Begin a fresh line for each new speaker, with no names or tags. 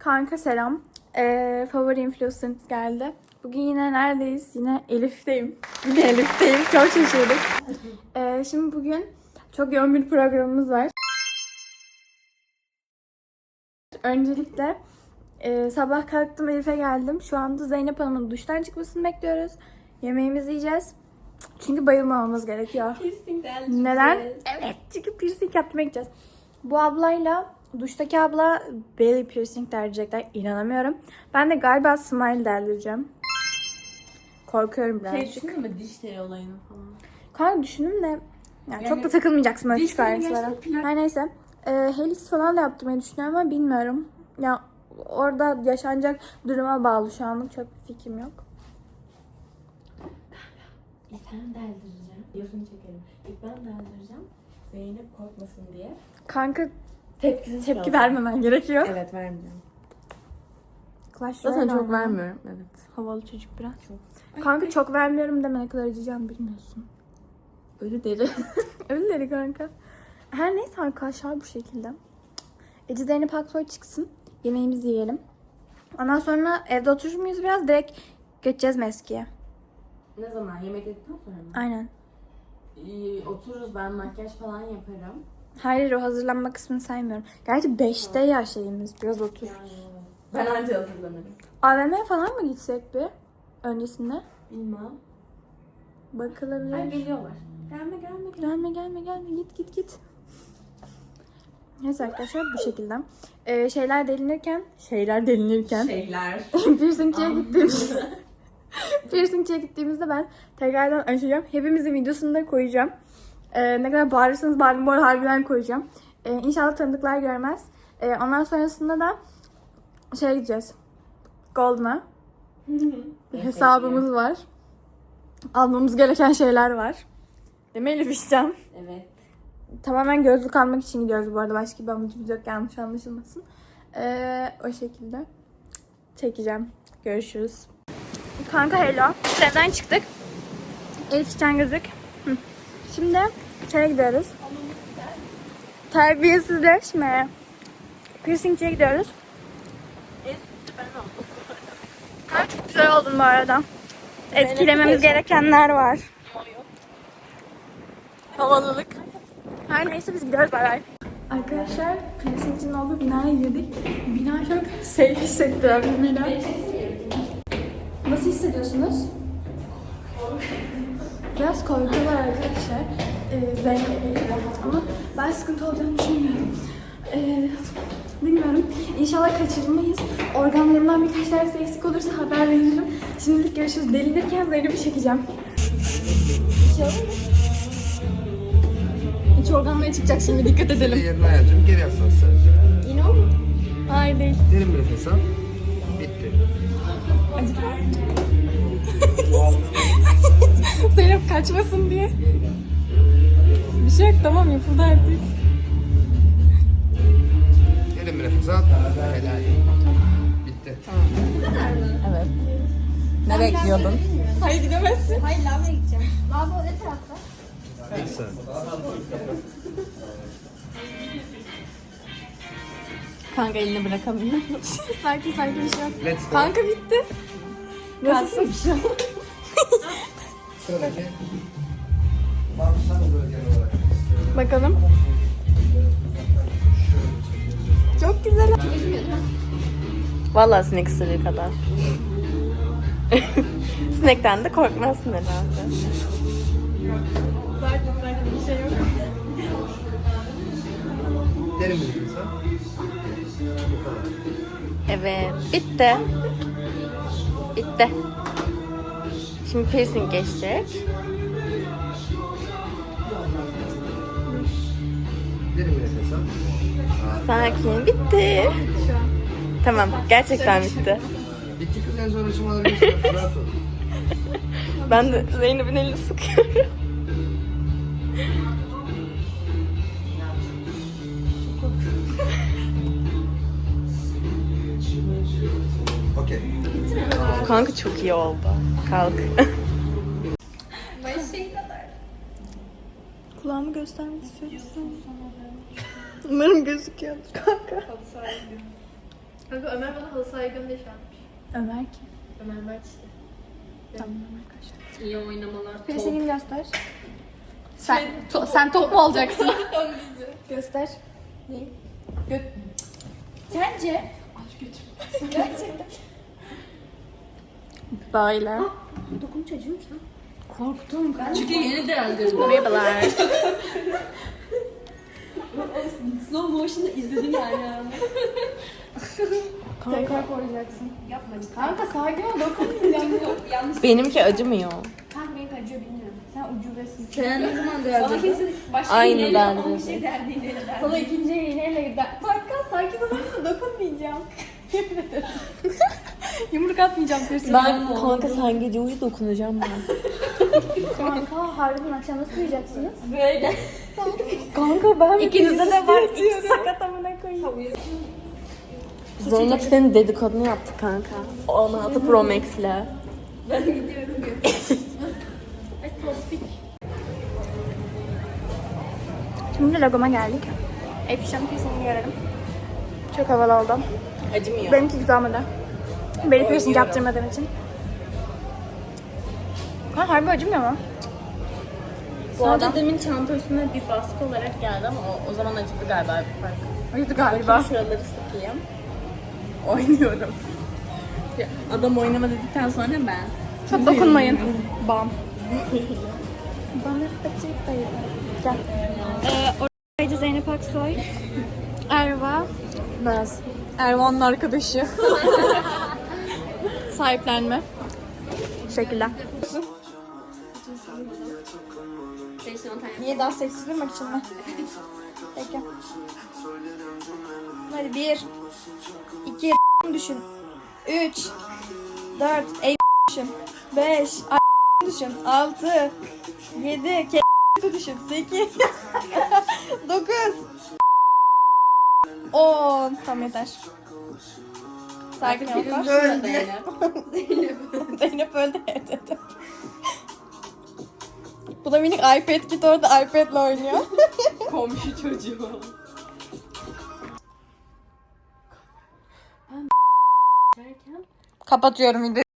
Kanka selam. Favori influencer'ımız geldi. Bugün yine neredeyiz? Yine Elif'teyim. Yine Elif'teyim. Çok şaşırdım. Şimdi bugün çok yoğun bir programımız var. Öncelikle sabah kalktım, Elif'e geldim. Şu anda Zeynep Hanım'ın duştan çıkmasını bekliyoruz. Yemeğimizi yiyeceğiz. Çünkü bayılmamamız gerekiyor. Neden? Evet, çünkü piercing yaptırmaya gideceğiz. Bu ablayla, duştaki abla belly piercing derecekler. İnanamıyorum. Ben de galiba smile deldireceğim. Korkuyorum birazcık.
Düşündün mü diş teli olayını falan?
Kanka düşündüm de yani çok da takılmayacaksın öyle küçük ayrıntılara. Her neyse. Helix falan da yaptırmayı düşünüyorum ama bilmiyorum. Ya orada yaşanacak duruma bağlı şu anlık. Çok bir fikrim yok.
İlk ben deldireceğim. Yosunu çekelim. İlk ben deldireceğim. Zeynep korkmasın diye.
Kanka
Tepkisiz
tepki
kalacağım.
vermemen gerekiyor.
Evet, vermeyeceğim.
Clash
Zaten
Royale
çok
oynuyor.
vermiyorum. Evet.
Havalı çocuk biraz. Kanka çok vermiyorum deme, ne kadar acıyacağını bilmiyorsun.
Ölü deri.
Öyle dedi kanka. Her neyse arkadaşlar, bu şekilde. Ece Zeynep Aksoy çıksın. Yemeğimizi yiyelim. Ondan sonra evde oturur muyuz biraz? Direkt geçeceğiz Meski'ye.
Ne zaman? Yemek yedikten sonra mı?
Aynen.
Otururuz, ben makyaj falan yaparım.
Hayır, o hazırlanma kısmını saymıyorum. Gerçi 5'te ya şeyimiz. Biraz otur.
Ben anca hazırlanırım.
AVM'ye falan mı gitsek bir? Öncesinde.
Bilmem.
Bakılabilir.
Ay, geliyorlar.
Gelme. Git. Neyse arkadaşlar, bu şekilde. Şeyler delinirken.
Şeyler.
Piercingçiye gittiğimizde ben tekrardan açacağım. Hepimizin videosunu da koyacağım. Ne kadar bağırırsanız bağırın, bu arada harbiden koyacağım. İnşallah tanıdıklar görmez. Ondan sonrasında da şeye gideceğiz. Golden'a. Bir hesabımız var. Almamız gereken şeyler var. Değil mi Elif İşcan?
Evet.
Tamamen gözlük almak için gidiyoruz bu arada. Başka bir amacımız yok, yanlış anlaşılmasın. O şekilde çekeceğim. Görüşürüz. Kanka hello. Evden çıktık. Elif İşcan gözlük. Şimdi şeye gidiyoruz. Terbiyesizleşme. Piercingçiye gidiyoruz. Çok güzel oldun bu arada. Etkilememiz gerekenler var. Havalılık. Her neyse biz gidiyoruz, bay bay. Arkadaşlar piercingçinin olduğu binaya girdik. Bina çok safe hissettiren bir bina. Nasıl hissediyorsunuz? Biraz korkuyorlar arkadaşlar. Zeynep ama ben sıkıntı olacağını düşünmüyorum. Bilmiyorum. İnşallah kaçırılmayız. Organlarımdan birkaç tanesi eksik olursa haber veririm. Şimdilik görüşürüz. Delinirken Zeynep'i çekeceğim. İç organlara çıkacak şimdi, dikkat edelim.
Yerine ayarlayacağım. Geri yaslan sadece.
Yine o mu? Hayır değil.
Derin bir nefes al. Bitti.
Acıdı mı? Zeynep kaçmasın diye. Bir şey yok, tamam, yapıldı artık.
Derin bir nefes al. Helal. Bitti.
Evet. Ne bekliyordun?
Hayır, gidemezsin.
Hayır, lavaboya gideceğim. Lavabo ne tarafta?
İlk sen.
Kanka elini bırakamıyor.
Sanki bir şey yok.
Let's go.
Kanka bitti. Nasılsın?
Sıradaki. Bağırsan bölgen olarak.
Bakalım. Çok güzel.
Vallahi sinek ısırığı kadar. Sinekten de korkmazsın herhalde.
Zaten bir şey yok.
Derin bir nefes al. Bu kadar.
Evet, bitti. Bitti. Şimdi piercing geçecek.
Derin bir nefes al.
Sakin, bitti. Tamam, gerçekten bitti.
Bitti kız, en zor aşamaları geçiyor. Rahat ol.
Ben de Zeynep'in elini sıkıyorum.
Okey.
Kanka çok iyi oldu. Kalk.
Kulağımı göstermek istiyorsun. Umarım gözüküyordur kanka.
Kanka Ömer bana halı sahaya gönder çalmış.
Ömer kim?
Ömer Mert işte.
Tamam arkadaşlar.
İyi oynamalar.
Piercing'ini göster. Sen top mu olacaksın? Göster.
Ne?
Sence?
Aç götür.
Gerçekten. Böyle.
Dokununca acıyor musun?
Korktum ben.
Çünkü yeni deldirdim.
Merhabalar.
Slow motion'da izledim yani.
Tekrar koyacaksın.
Yapma.
Kanka sakin ol dokunmayacağım.
Yanlış.
Benimki acımıyor.
Kanka benimki acıyor bilmiyorum.
Sen ucubesin.
Sen ne zaman
Bana kesin başka
Aynı
iğneyle
ben
falan bir
de.
şey derdiğinde derdi.
Sana ikinci iğneyle gider. Kanka sakin olursa dokunmayacağım. Yumruk atmayacağım piercing.
Ben kanka sen gece uyu dokunacağım ben.
Kanka harbiden akşam nasıl uyuyacaksınız?
Böyle.
Kanka ben
İkinizde de var. İki sakat amına koyayım.
Zeynep senin dedikodunu yaptı kanka. 16 Pro Max'le.
Ben gidiyorum.
Şimdi logoma geldik. Efişan piercing'ini görelim. Çok havalı oldum.
Acımıyor.
Benimki güzel olmadı. Beni piercing yaptırmadığım için. Ha harbi acımıyor mu?
Sadece demin çanta üstüne bir baskı olarak geldi ama o zaman acıdı galiba bir fark.
Acıdı
Bakayım
galiba.
şuraları sıkayım. Oynuyorum. Ya, adam oynama dedikten sonra ben.
Çok dokunmayın. Bam. Bana açık dayı. Gel. Oradaydı Zeynep Aksoy. Erva.
Naz. Ervan'ın arkadaşı.
Sahiplenme. Teşekkürler. Niye daha seksi durmak için mi? Peki. Hadi 1 2 düşün. 3 4 düşün. 5 düşün. 6 7 düşün. 8 9 10 Tamam yeter. Sakin ol. Zeynep öldü evde. Bu da minik iPad kit orada iPad'le oynuyor.
Komşu çocuğu.
Kapatıyorum videoyu.